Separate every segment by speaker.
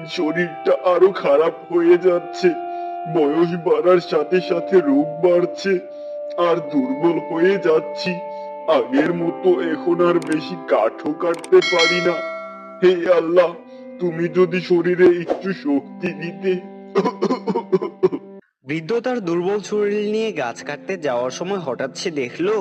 Speaker 1: শরীরটা আরো খারাপ হয়ে যাচ্ছে। বয়স বাড়ার সাথে সাথে রোগ বাড়ছে, আর দুর্বল হয়ে যাচ্ছি। আগের মতো এখন আর বেশি কাঠও কাটতে পারি না। হে আল্লাহ, তুমি যদি শরীরে একটু শক্তি দিতে।
Speaker 2: বৃদ্ধ তার দুর্বল শরীর নিয়ে গাছ কাটতে যাওয়ার সময় হঠাৎ সে দেখলো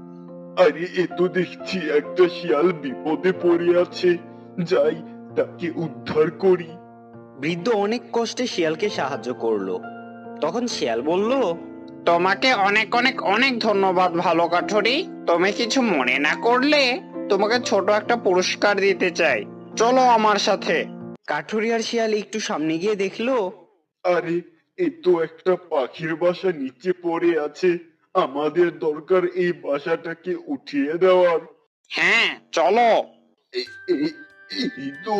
Speaker 1: আরে এ তো দেখছি একটা শিয়াল বিপদে পড়ে আছে। যাই, তাকে উদ্ধার করি।
Speaker 2: বৃদ্ধ অনেক কষ্টে শিয়ালকে সাহায্য করলো। তখন শিয়াল বলল,
Speaker 3: তোমাকে অনেক অনেক অনেক ধন্যবাদ ভালো কাঠুরি। তুমি কিছু মনে না করলে তোমাকে ছোট একটা পুরস্কার দিতে চাই, চলো আমার সাথে।
Speaker 2: কাঠুরি আর শিয়াল একটু সামনে গিয়ে দেখলো
Speaker 1: আরে এ তো একটা পাখির বাসা নিচে পড়ে আছে। আমাদের দরকার এই বাসাটাকে উঠিয়ে দেওয়ার।
Speaker 3: হ্যাঁ চলো।
Speaker 1: এ- এ- এই তো।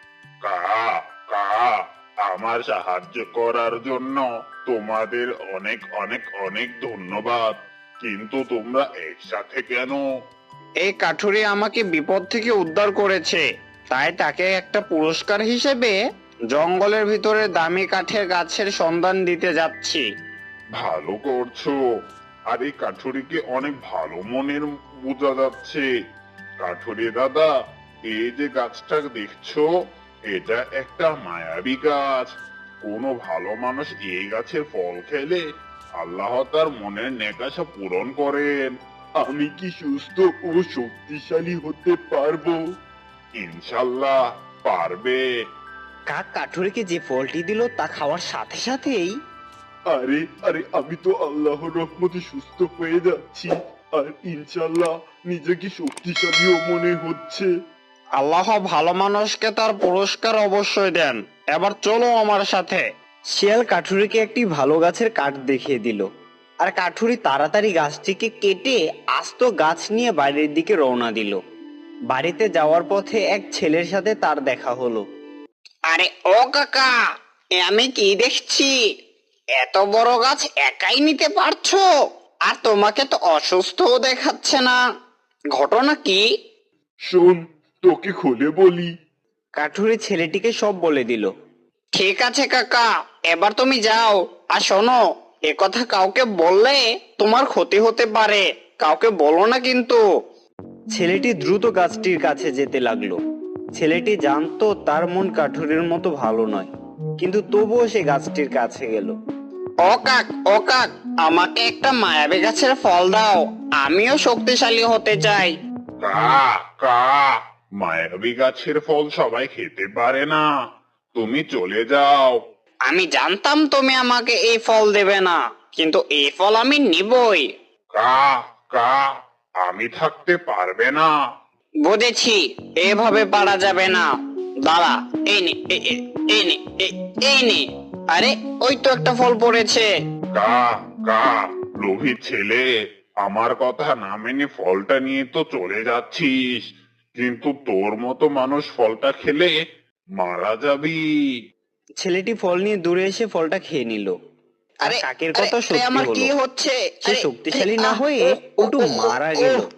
Speaker 4: কা কা আমার সাহায্য করার জন্য তোমাদের অনেক অনেক অনেক ধন্যবাদ। কিন্তু তোমরা একসাথে কেন?
Speaker 3: এই কাঠুরি আমাকে বিপদ থেকে উদ্ধার করেছে, তাই তাকে একটা পুরস্কার হিসেবে জঙ্গলের ভিতরে দামি কাঠের গাছের সন্ধান দিতে যাচ্ছি।
Speaker 4: ভালো করছো। আর এই কাঠুরিকে অনেক ভালো মনের বোঝা যাচ্ছে। কাঠুরি দাদা, এই যে গাছটা দেখছো, এটা একটা মায়াবী গাছ। কোনো ভালো মানুষ এই গাছের ফল খেলে আল্লাহ তার মনের নেকাশা পূরণ করেন।
Speaker 1: আমি কি সুস্থ ও শক্তিশালী হতে পারবো?
Speaker 4: ইনশাল্লাহ পারবে।
Speaker 2: কাক কাঠুরিকে যে ফলটি দিল তা খাওয়ার সাথে সাথেই
Speaker 1: আরে আরে আমি তো আল্লাহর রহমতে সুস্থ হয়ে যাচ্ছি, আর ইনশাল্লাহ নিজেকে শক্তিশালীও মনে হচ্ছে।
Speaker 3: আল্লাহ ভালো মানুষকে তার পুরস্কার অবশ্যই দেন। এবার চলো আমার সাথে।
Speaker 2: শিয়াল কাঠুরিকে একটি ভালো গাছের কাঠ দেখিয়ে দিল, আর কাঠুরি তাড়াতাড়ি গাছটিকে কেটে আস্ত গাছ নিয়ে বাড়ির দিকে রওনা দিল। বাড়িতে যাওয়ার পথে এক ছেলের সাথে তার দেখা হলো।
Speaker 3: আরে ও কাকা, এ আমি কি দেখছি? এত বড় গাছ একাই নিতে পারছো? আর তোমাকে তো অসুস্থও দেখাচ্ছে না, ঘটনা কি?
Speaker 1: শোন, তোকে খুলে বলি।
Speaker 2: কাঠুরি ছেলেটিকে সব বলে দিল।
Speaker 3: ঠিক আছে কাকা, এবার তুমি যাও। আর শোনো, এ কথা কাউকে বললে তোমার ক্ষতি হতে পারে, কাউকে বলো না কিন্তু।
Speaker 2: ছেলেটি দ্রুত গাছটির কাছে যেতে লাগলো। ছেলেটি জানতো তার মন কাঠুরির মতো ভালো নয়, কিন্তু তবুও সে গাছটির কাছে গেল।
Speaker 3: ও কাক, আমাকে একটা মায়াবী গাছের ফল দাও, আমিও শক্তিশালী হতে চাই।
Speaker 4: কা কা মায়াবী গাছের ফল সবাই খেতে পারে না। তুমি চলে যাও।
Speaker 3: আমি জানতাম তুমি আমাকে এই ফল দেবে না, কিন্তু এই ফল আমি নিবই।
Speaker 4: কা কা আমি থাকতে পারবে না।
Speaker 3: বুঝেছি, এভাবে পারা যাবে না। দাঁড়া, এই নে, এই নে, এই নে। আরে ওই তো একটা ফল পড়েছে।
Speaker 4: কা কা লোভী ছেলে, আমার কথা না মেনে ফলটা নিয়ে তো চলে যাচ্ছিস, কিন্তু তোর মতো মানুষ ফলটা খেলে মারা যাবি।
Speaker 2: ছেলেটি ফল নিয়ে দূরে এসে ফলটা খেয়ে নিল। আর
Speaker 3: আরে
Speaker 2: কাকের
Speaker 3: আরে,
Speaker 2: কথা
Speaker 3: আরে,
Speaker 2: সত্যি
Speaker 3: আমার
Speaker 2: হলো।
Speaker 3: কি হচ্ছে?
Speaker 2: সে
Speaker 3: আরে,
Speaker 2: শক্তিশালী না
Speaker 3: আহ,
Speaker 2: হয়ে
Speaker 3: ও, ও,
Speaker 2: উল্টো
Speaker 3: ও, ও,
Speaker 2: মারা
Speaker 3: ও।
Speaker 2: গেল।